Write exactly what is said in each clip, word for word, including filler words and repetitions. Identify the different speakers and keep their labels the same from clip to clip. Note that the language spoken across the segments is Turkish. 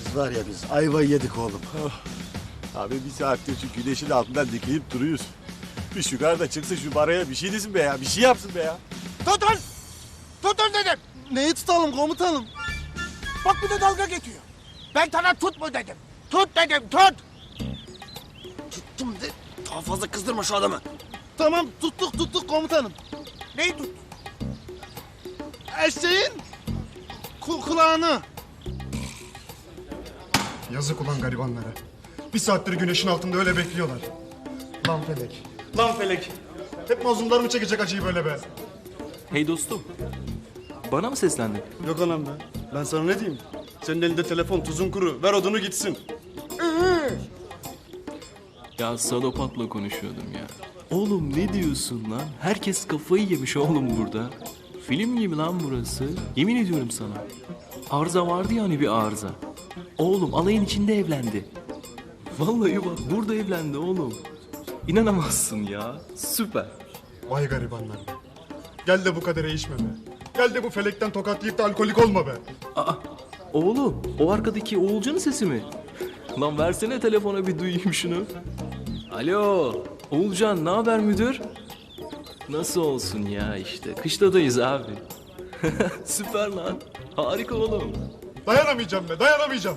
Speaker 1: Biz var ya biz ayvayı yedik oğlum.
Speaker 2: Abi bir saattir şu güneşin altından dikilip duruyoruz. Bir şu da çıksın şu baraya bir şey desin be ya. Bir şey yapsın be ya.
Speaker 3: Tutun! Tutun dedim.
Speaker 1: Neyi tutalım komutanım?
Speaker 3: Bak bir de dalga geçiyor. Ben sana tut mu dedim. Tut dedim tut.
Speaker 1: Tuttum de. Daha fazla kızdırma şu adamı. Tamam tuttuk tuttuk komutanım.
Speaker 3: Neyi tut?
Speaker 1: Eşeğin ku kulağını.
Speaker 4: Yazık ulan garibanlara. Bir saattir güneşin altında öyle bekliyorlar. Lan felek. Lan felek. Hep mazlumlar mı çekecek acıyı böyle be?
Speaker 5: Hey dostum. Bana mı seslendin?
Speaker 4: Yok anam be. Ben sana ne diyeyim? Senin elinde telefon tuzun kuru. Ver odunu gitsin.
Speaker 5: Ya Sadopat'la konuşuyordum ya. Oğlum ne diyorsun lan? Herkes kafayı yemiş oğlum burada. Film gibi lan burası. Yemin ediyorum sana. Arıza vardı ya hani bir arıza. Oğlum alayın içinde evlendi. Vallahi bak burada evlendi oğlum. İnanamazsın ya. Süper.
Speaker 4: Vay garibanlar be. Gel de bu kadere içme be. Gel de bu felekten tokat yiyip de alkolik olma be.
Speaker 5: Aa, oğlum o arkadaki Oğulcan'ın sesi mi? Lan versene telefona bir duyayım şunu. Alo Oğulcan ne haber müdür? Nasıl olsun ya işte kışladayız abi. Süper lan harika oğlum.
Speaker 4: Dayanamayacağım be, dayanamayacağım.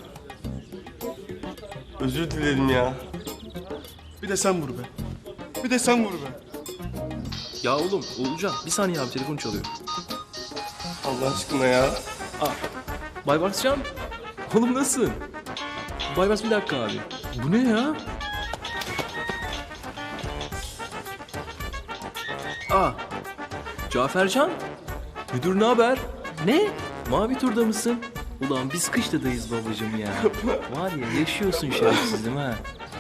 Speaker 6: Özür dilerim ya.
Speaker 4: Bir de sen vur be. Bir de sen vur be.
Speaker 5: Ya oğlum Oğulcan bir saniye abi telefon çalıyor.
Speaker 6: Allah aşkına ya.
Speaker 5: Baybarscan oğlum nasılsın? Baybars bir dakika abi. Bu ne ya? Aa, Cafercan, müdür ne haber? Ne? Mavi turda mısın? Ulan biz kışladayız babacığım ya. Var ya yaşıyorsun şerefsizim ha.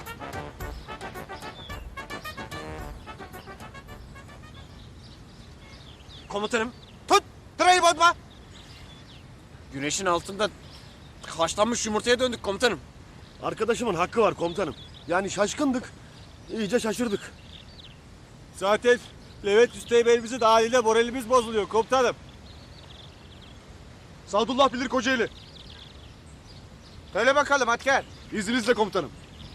Speaker 3: Komutanım tut. Tırayı bozma. Güneşin altında haşlanmış yumurtaya döndük komutanım.
Speaker 1: Arkadaşımın hakkı var komutanım. Yani şaşkındık. İyice şaşırdık.
Speaker 2: Zaten Levent Üsteğmen'imizin haliyle moralimiz bozuluyor komutanım.
Speaker 4: Sadullah bilir Kocaeli.
Speaker 3: Söyle bakalım Atker.
Speaker 4: İzninizle komutanım.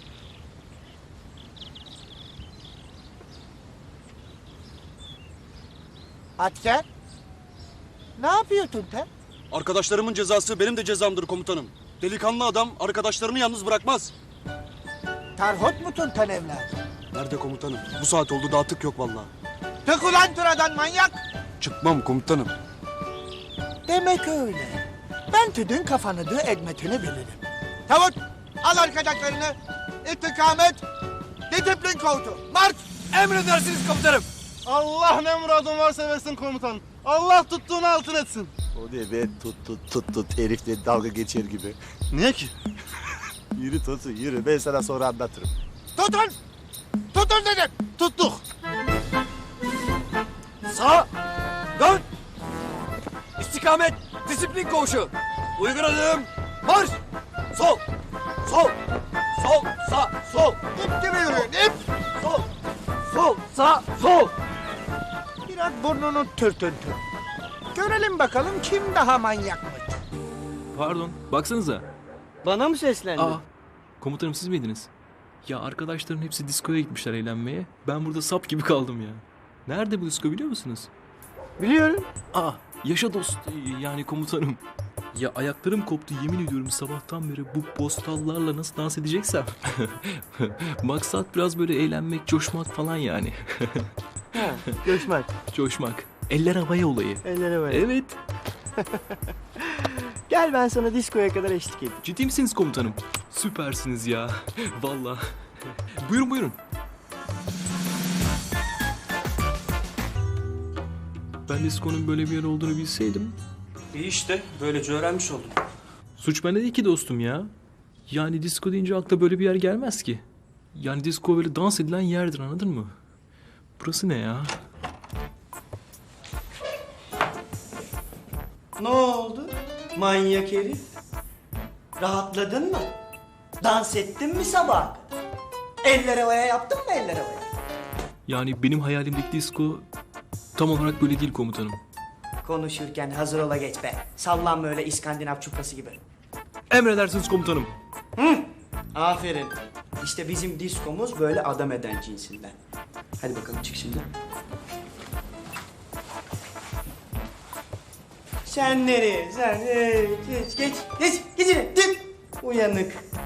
Speaker 3: Atker. Ne yapıyorsun sen?
Speaker 4: Arkadaşlarımın cezası benim de cezamdır komutanım. Delikanlı adam arkadaşlarını yalnız bırakmaz.
Speaker 3: Terhot musun sen evladım?
Speaker 4: Nerede komutanım? Bu saat oldu daha tık yok vallahi.
Speaker 3: Tık ulan tıradan manyak.
Speaker 4: Çıkmam komutanım.
Speaker 3: Demek öyle. Ben tüdün kafanı dı edmetini bilirim. Tavut al arkadaşlarını. İstikamet. Disiplin koğutu. Marş. Emredersiniz komutanım.
Speaker 1: Allah ne muradın varsa versin komutan. Allah tuttuğunu altın etsin.
Speaker 2: O ne be tut tut tut tut herifle dalga geçer gibi.
Speaker 1: Niye ki?
Speaker 2: Yürü Tosun yürü ben sana sonra anlatırım.
Speaker 3: Tutun. Tutun dedim.
Speaker 1: Tuttuk.
Speaker 3: Sağ. Dön. İstikamet. Disiplin koğuşu. Uygun adım. Marş. Sol. Sol. Sol. Sağ. Sol. İp gibi yürüyün. İp. Sol. Sol. Sağ. Sol. Biraz burnunu tırtıntı. Görelim bakalım kim daha manyakmış.
Speaker 5: Pardon, baksanıza.
Speaker 7: Bana mı seslendin?
Speaker 5: Aa, komutanım siz miydiniz? Ya arkadaşların hepsi diskoya gitmişler eğlenmeye. Ben burada sap gibi kaldım ya. Nerede bu disko biliyor musunuz?
Speaker 7: Biliyorum.
Speaker 5: Aa, yaşa dost yani komutanım. Ya ayaklarım koptu yemin ediyorum sabahtan beri bu postallarla nasıl dans edeceksem. Maksat biraz böyle eğlenmek, coşmak falan yani.
Speaker 7: Ha, göçmek.
Speaker 5: Coşmak. Eller havaya olayı.
Speaker 7: Ellere böyle.
Speaker 5: Evet.
Speaker 7: Gel ben sana diskoya kadar eşlik edeyim.
Speaker 5: Ciddi misiniz komutanım? Süpersiniz ya. Vallahi. Buyurun buyurun. Ben diskonun böyle bir yer olduğunu bilseydim.
Speaker 8: İyi işte böylece öğrenmiş oldum.
Speaker 5: Suç bende değil ki dostum ya. Yani disco deyince akla böyle bir yer gelmez ki. Yani disco böyle dans edilen yerdir anladın mı? Burası ne ya?
Speaker 7: Ne oldu? Manyak herif. Rahatladın mı? Dans ettin mi sabah kadar? Eller havaya yaptın mı eller havaya?
Speaker 5: Yani benim hayalimdeki disco tam olarak böyle değil komutanım.
Speaker 7: Konuşurken hazır ola geç be. Sallanma öyle İskandinav çuprası gibi.
Speaker 5: Emredersiniz komutanım.
Speaker 7: Aferin. İşte bizim diskomuz böyle adam eden cinsinden. Hadi bakalım çık şimdi. Sen nereye? Sen ee, geç geç geç geç yine. Tık. Uyanık.